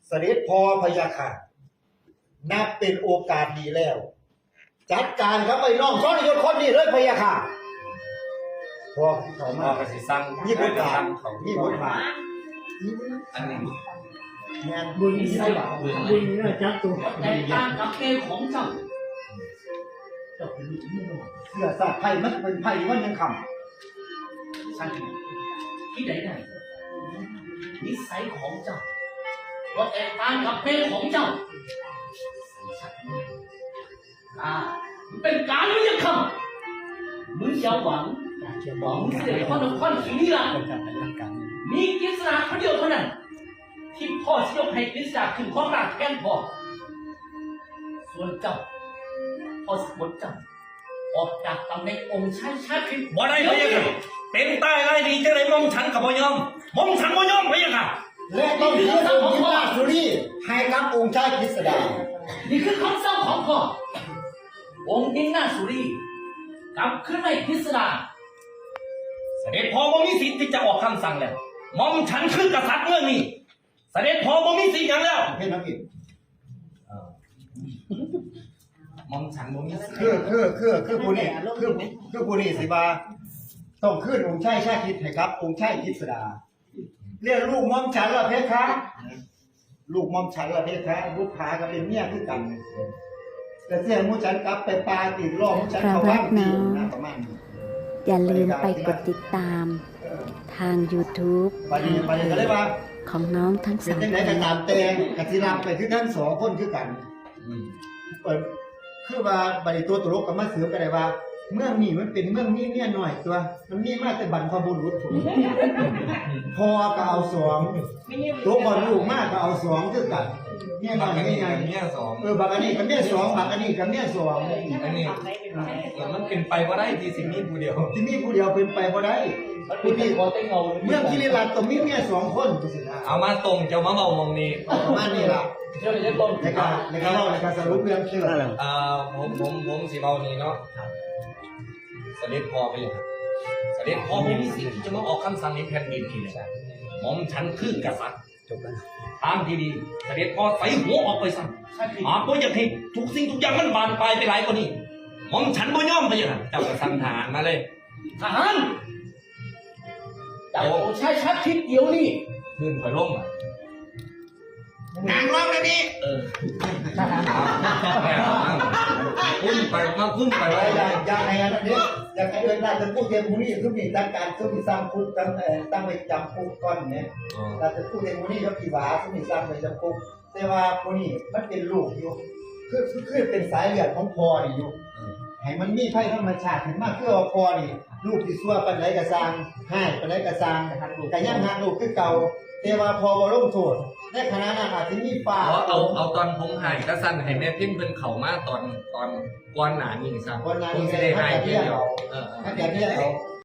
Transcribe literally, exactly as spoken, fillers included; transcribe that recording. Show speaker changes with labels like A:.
A: เสด็จพอพยาค่ะนับเป็นโอกาสดีแล้ว จัดการครับไอ้น้องซ้อนยศคนนี้เลยพยาค่ะพอเขา
B: พ่
A: มา
B: อก็สิสั่ง
A: นี่บทบาท
B: เขา
A: นี่บทบาท
B: อันนี้
A: งานบุญนี่ใช่ป่ะบุญนี่จัดตัว
C: แต่การกับเกของเจ้า
A: เจ้าเป็นลูกนี่หรอเสื้อสาดไผ่มันเป็นไผ่วันยังค
C: ฉันที่ไหนได้นิสัยของเจ้าก็แตกต่างกับเกของเจ้าอ่ามันเป็นการไม่ยังคำมึงอย่าหวังหวังเสียคนละคนทีนี้ละมีกฤษณาคนเดียวเท่านั้นที่พ่อจะยกให้กฤษณาขึ้นข้อราชแทนพ่อส่วนเจ้าพ่อสมบูรณ์เจ้าออกจากตำแหน่งองค์ชายชาติขึ้น
B: บ่ได้พะยะค่ะเป็นใต้ไรดีจังได๋มองฉันกับบ่ยอมมองฉันบ่ยอมพะยะค่ะ
A: ำและต้องเชื่อองค์ที่ราชสุรีให้กับองค์ชายกฤษดา
C: นี่คือคำสั่งของพ่อองค์ดินหน้าสุรีกลับขึ้นในพิสดาร
B: เสด็จพ่อบ่มีสิทธิ์ที่จะออกคำสั่งแล้วมองฉันคือกษัตริย์เมืองนี้เสด็จพ่อบ่มีสิทธิ์หยังแล้ว
A: เห็นน้ำกิน
B: มองฉันบ่มีสิทธิ์
A: คือคือคือคือผู้นี้คือคือผู้นี้สิบาต้องขึ้นองค์ชายชาติให้ครับ องค์ชายกฤษดาเรียกลูกมอมฉันละเพคะลูกมอมฉันละเพคะลูกผาก็เป็นเมียคือกันแต่เสียมูฉันกลับไปปลาติดล้อมูฉันเขาบ้านตีนะประมาณนี้
D: อย่าลืมไปกดติดตามทาง ยูทูบ
A: ไปดีไปดีก็เลยว่า
D: ของน้องทั้ง
A: เป็น
D: สาม
A: ยังไง
D: ค
A: กัน
D: น
A: ตามแตงกับที่รับไปคือทั้งสองคนคือกัน
B: อืม
A: เปิดคือว่าบริตัวตลกกับมาเสือกันได้ว่า เมืองนี้มันเป็นเมืองนี้เนี่ยหน่อยตัว มันมีมาแต่บรรพบุรุษผมพอก็เอาสองตัวบอลลูกมากก็เอาสองคือกันเนี่ยหน่อยไม่ไง
B: เมียสอง
A: เออบักอันนี้กับเนี่ยสองบักอันนี้กับเนี่ยสอง
B: อันนี้แล้วมันเป็นไปบ่ได้ที่สิมีผู้เดียว
A: ที่มีผู้เดียวเป็นไปบ่ได้
C: มันเป็นแต่คอเต้งเงา
A: เมืองกิริรัตน์ต้องมีเมียสองคนตัวสินะ
B: เอามาตรงเจ้ามาเว้ามองนี้
A: ประมาณนี้ล่ะ
C: เชื่อเลยต้น
A: ในการในการเล่าในการสรุปเรื่องเชื่อ
B: เอ่อผมผมผมสิเว้านี่เนาะเสด็จพ่อไปเลยครับเสด็จพ่อบ่มีสิทธิ์ที่จะมาออกคำสั่งในแผ่นดินนี่เลยหม่อมฉันคือกษัตริย์ทางที่ดีเสด็จพ่อใส่หัวออกไปซะหากบ่อยากให้ทุกสิ่งทุกอย่างมันบานปลายไปหลายกว่านี้หม่อมฉันบ่ยอมไปอย่างนั้นเจ้าก็สั่งทหารมาเลย
C: ทหารจากองค์ชายชาติทิศเดียวนี่
B: ขึ้นถอยลงอ่ะ
A: นางร้องเลยนี่
B: เออคุ้มไปมาคุ้มไปไว้
A: อยากอยากให้อันนี้อยากให้เดินได้จะพูดเรื่องมูนี่คือมีตั้งการคือมีสร้างคุกตั้งตั้งไปจำคุกก้อนเนี่ยเราจะพูดเรื่องมูนี่ก็กี่บาทคือมีสร้างไปจำคุกแต่ว่ามูนี่มันเป็นลูกอยู่คือคือเป็นสายเลือดของพ่อนี่อยู่ให้มันมีไพ่ธรรมชาติถึงมากคือว่าพ่อนี่ลูกที่ซัวปันไหนกระซังให้ปันไหนกระซังแต่ยังหักลูกคือเก่าแต่ว่าพอบ่ลงโทษในขณะนั้นอาจจะมีป้า
B: เอาเอาเอาตอนผมหายก็สั้นให้แม่พิมพ์เพิ่นเข้ามาตอนตอนก่อนหน้านี้ซะ
A: คนนั้น
B: ผม
A: นี่
B: สิ
A: ให้
B: ได้หาย
A: แต่
B: เพี
A: เรี
B: ย
A: ย
B: ง
A: ก
B: เดียว
A: เอา
B: เออ
A: ให้แต่เรียกเอา